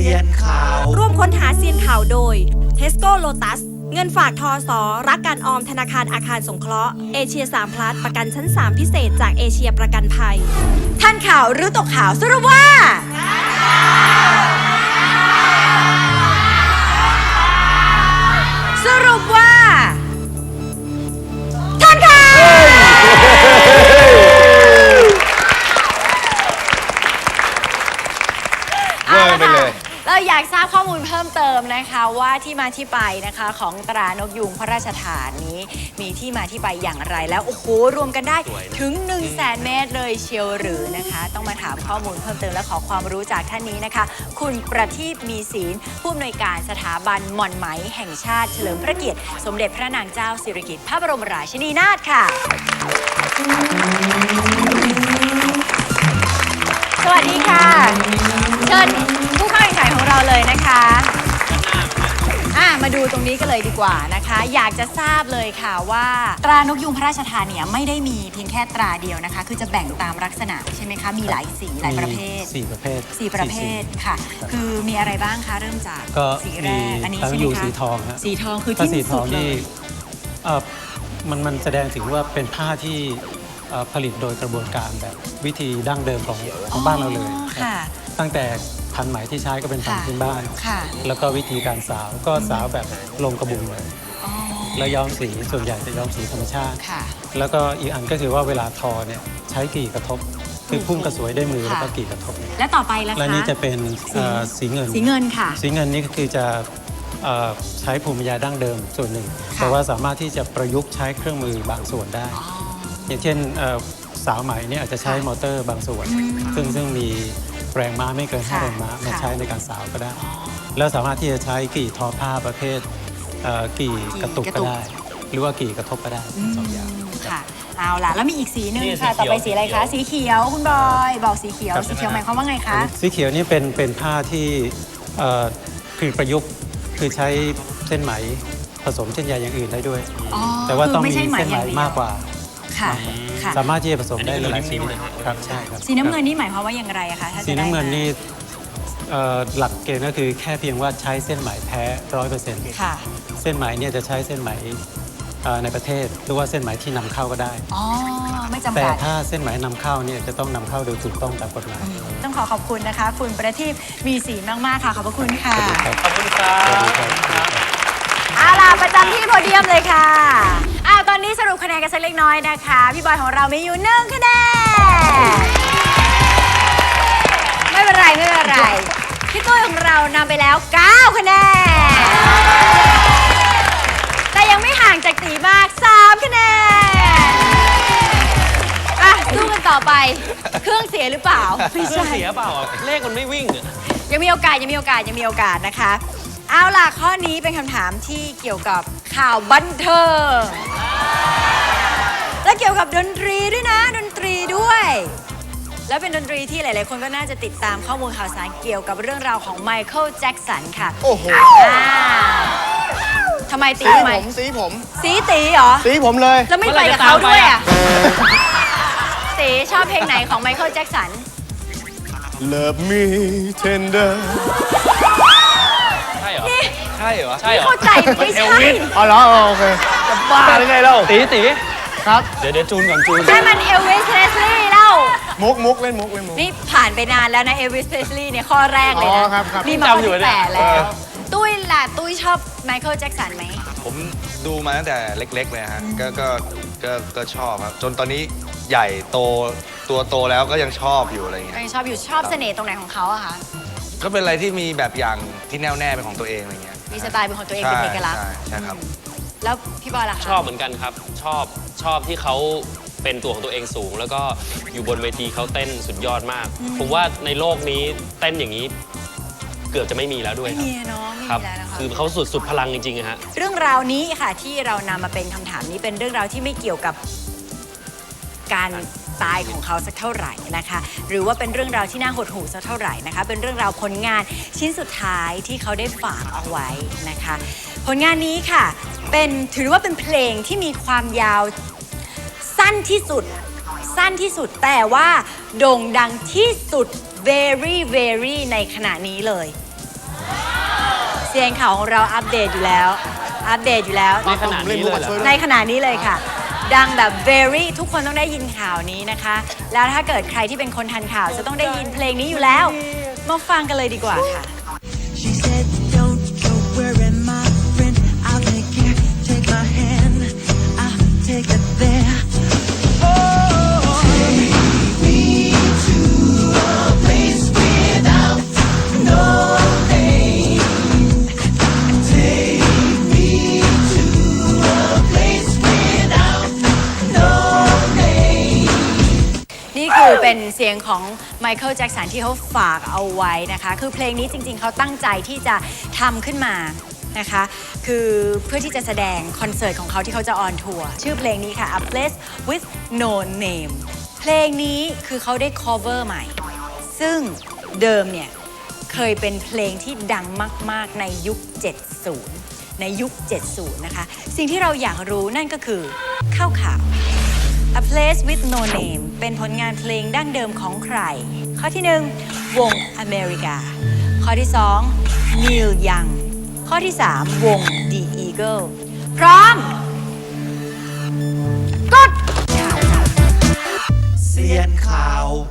ซียนข่าวร่วมค้นหาเซียนข่าวโดย Tesco Lotus เงินฝากทสรักการออมธนาคารอาคารสงเคราะห์เอเชีย3 plus ประกันชั้น 3 พิเศษจากเอเชียประกันภัยท่านข่าวหรือตกข่าวสรุปว่าท่านข่าวไปเลยเราอยากทราบข้อมูลเพิ่มเติมนะคะว่าที่มาที่ไปนะคะของตรานกยูงพระราชทานนี้มีที่มาที่ไปอย่างไรแล้วโอ้โหรวมกันได้ถึง 100,000 เมตรเลยเชียวหรือนะคะต้องมาถามข้อมูลเพิ่มเติมและขอความรู้จากท่านนี้นะคะคุณประทีปมีศีลผู้อำนวยการสถาบันหม่อนไหมแห่งชาติเฉลิมพระเกียรติสมเด็จพระนางเจ้าสิริกิติ์พระบรมราชินีนาถค่ะสวัสดีค่ะเชิญผู้เข้าแข่งขันของเราเลยนะคะมาดูตรงนี้กันเลยดีกว่านะคะอยากจะทราบเลยค่ะว่าตรานกยูงพระราชทานเนี่ยไม่ได้มีเพียงแค่ตราเดียวนะคะคือจะแบ่งตามลักษณะใช่ไหมคะมีหลายสีหลายประเภท 4 ประเภท 4 ประเภทค่ะคือมีอะไรบ้างคะเริ่มจากสีแรกอันนี้ใช่ไหมคะสีทองฮะสีทองคือที่สุดเลยมันแสดงถึงว่าเป็นผ้าที่ผลิตโดยกระบวนการแบบวิธีดั้งเดิมของบ้านเราเลยตั้งแต่พันไหมที่ใช้ก็เป็นพันพื้นบ้านแล้วก็วิธีการสาวก็สาวแบบลงกระบุงเลยแล้วย้อมสีส่วนใหญ่จะย้อมสีธรรมชาติแล้วก็อีกอันก็คือว่าเวลาทอเนี่ยใช้กี่กระทบคือพุ่งกระสวยด้วยมือแล้วก็กี่กระทบและต่อไปล่ะคะและนี้จะเป็นสีเงินค่ะสีเงินนี่ก็คือจะใช้ภูมิปัญญาดั้งเดิมส่วนหนึ่งแต่ว่าสามารถที่จะประยุกต์ใช้เครื่องมือบางส่วนได้อย่างเช่นสาวไหมเนี่ยอาจจะใช้มอเตอร์บางส่วนซึ่งมีแรงม้าไม่เกิน5 แรงม้ามาใช้ในการสาวก็ได้แล้วสามารถที่จะใช้กี่ทอผ้าประเภทกี่กระตุกก็ได้หรือว่ากี่กระทบก็ได้2 อย่างค่ะเอาล่ะแล้วมีอีกสีหนึ่งค่ะต่อไปสีอะไรคะสีเขียวคุณบอยบอกสีเขียวหมายความว่าไงคะสีเขียวนี่เป็นผ้าที่คือประยุกต์คือใช้เส้นไหมผสมเส้นใยอย่างอื่นได้ด้วยแต่ว่าต้องมีเส้นไหมมากกว่าสามารถที่จะผสมได้หลายสีครับใช่ครับสีน้ำเงินนี่หมายความว่าอย่างไรคะสีน้ำเงินนี่หลักเกณฑ์ก็คือแค่เพียงว่าใช้เส้นไหมแท้100%ค่ะเส้นไหมเนี่ยจะใช้เส้นไหมในประเทศหรือว่าเส้นไหมที่นำเข้าก็ได้ไม่จำกัดแต่ถ้าเส้นไหมนำเข้าเนี่ยจะต้องนำเข้าโดยถูกต้องตามกฎหมายต้องขอบคุณนะคะคุณประทีปมีศีลมากๆค่ะขอบพระคุณค่ะขอบคุณครับเอาล่ะประจำที่โพเดียมเลยค่ะตอนนี้สรุปคะแนนกันสักเล็กน้อยนะคะพี่บอยของเรามีอยู่1 คะแนนไม่เป็นไรพี่ตุ้ยของเรานำไปแล้ว9 คะแนนแต่ยังไม่ห่างจากตีมาก3 คะแนนสู้กันต่อไปเครื่องเสียหรือเปล่าไม่ใช่เสียเปล่าเลขมันไม่วิ่งยังมีโอกาสนะคะเอาล่ะข้อนี้เป็นคำถามที่เกี่ยวกับข่าวบันเทิงและเกี่ยวกับดนตรีด้วยนะดนตรีด้วยแล้วเป็นดนตรีที่หลายๆคนก็น่าจะติดตามข้อมูลข่าวสารเกี่ยวกับเรื่องราวของไมเคิลแจ็คสันค่ะโอ้โหทำไมตีทำไมสีตีเหรอสีผมเลยแล้วไม่ไปกับเขาด้วยอ่ะสีชอบเพลงไหนของไมเคิลแจ็คสัน Love me tenderใช่เหรอไม่เข้าใจไม่ใช่อ๋อเหรอโอเคจะบ้าหรือไงเล่าตีครับเดี๋ยวจูนก่อนจูนใช่มันเอลวิส เพรสลีย์เล่ามุกเล่นมุกนี่ผ่านไปนานแล้วนะเอลวิส เพรสลีย์เนี่ยข้อแรกเลยนะนี่มาข้อที่8แล้วตุ้ยล่ะตุ้ยชอบไมเคิลแจ็คสันไหมผมดูมาตั้งแต่เล็กๆเลยฮะก็ชอบครับจนตอนนี้ใหญ่ตัวโตแล้วก็ยังชอบอยู่อะไรเงี้ยชอบเสน่ห์ตรงไหนของเขาอะคะก็เป็นอะไรที่มีแบบอย่างที่แน่วแน่เป็นของตัวเองอะไรเงี้ยมีสไตล์เป็นของตัวเองเป็นเอกลักษณ์ใช่ครับแล้วพี่บอยล่ะคะชอบเหมือนกันครับชอบที่เขาเป็นตัวของตัวเองสูงแล้วก็อยู่บนเวทีเขาเต้นสุดยอดมากผมว่าในโลกนี้เต้นอย่างนี้เกือบจะไม่มีแล้วด้วยไม่มีเนาะไม่มีแล้วนะคะคือเขาสุดพลังจริงๆฮะเรื่องราวนี้ค่ะที่เรานำมาเป็นคำถามนี้เป็นเรื่องราวที่ไม่เกี่ยวกับการตายของเขาสักเท่าไหร่นะคะหรือว่าเป็นเรื่องราวที่น่าหดหู่สักเท่าไหร่นะคะเป็นเรื่องราวผลงานชิ้นสุดท้ายที่เขาได้ฝากเอาไว้นะคะผลงานนี้ค่ะถือว่าเป็นเพลงที่มีความยาวสั้นที่สุดแต่ว่าโด่งดังที่สุด very ในขณะนี้เลยเซียนข่าวของเราอัปเดตอยู่แล้วในขณะนี้เลยเหรอในขณะนี้เลยค่ะ ดังแบบ very ทุกคนต้องได้ยินข่าวนี้นะคะ แล้วถ้าเกิดใครที่เป็นคนทันข่าวจะต้องได้ยินเพลงนี้อยู่แล้ว มาฟังกันเลยดีกว่าค่ะ She said, don't go worry, my friend. I'll take care. Take my hand. I'll take it there. Oh, take me to a place without no name. Take me to a place without no name. นี่คือเป็นเสียงของไมเคิลแจ็คสันที่เขาฝากเอาไว้นะคะ คือเพลงนี้จริงๆ เขาตั้งใจที่จะทำขึ้นมานะคะ คือเพื่อที่จะแสดงคอนเสิร์ตของเขาที่เขาจะออนทัวร์ ชื่อเพลงนี้ค่ะ A Place with No Name เพลงนี้คือเขาได้ cover ใหม่ ซึ่งเดิมเนี่ยเคยเป็นเพลงที่ดังมากๆในยุค 70 ในยุค 70 นะคะ สิ่งที่เราอยากรู้นั่นก็คือข่าว A Place with No Name เป็นผลงานเพลงดั้งเดิมของใคร ข้อที่ 1 วงอเมริกา ข้อที่ 2 Neil Young ข้อที่ 3 วง The Eagle พร้อม กดเซียนข่าว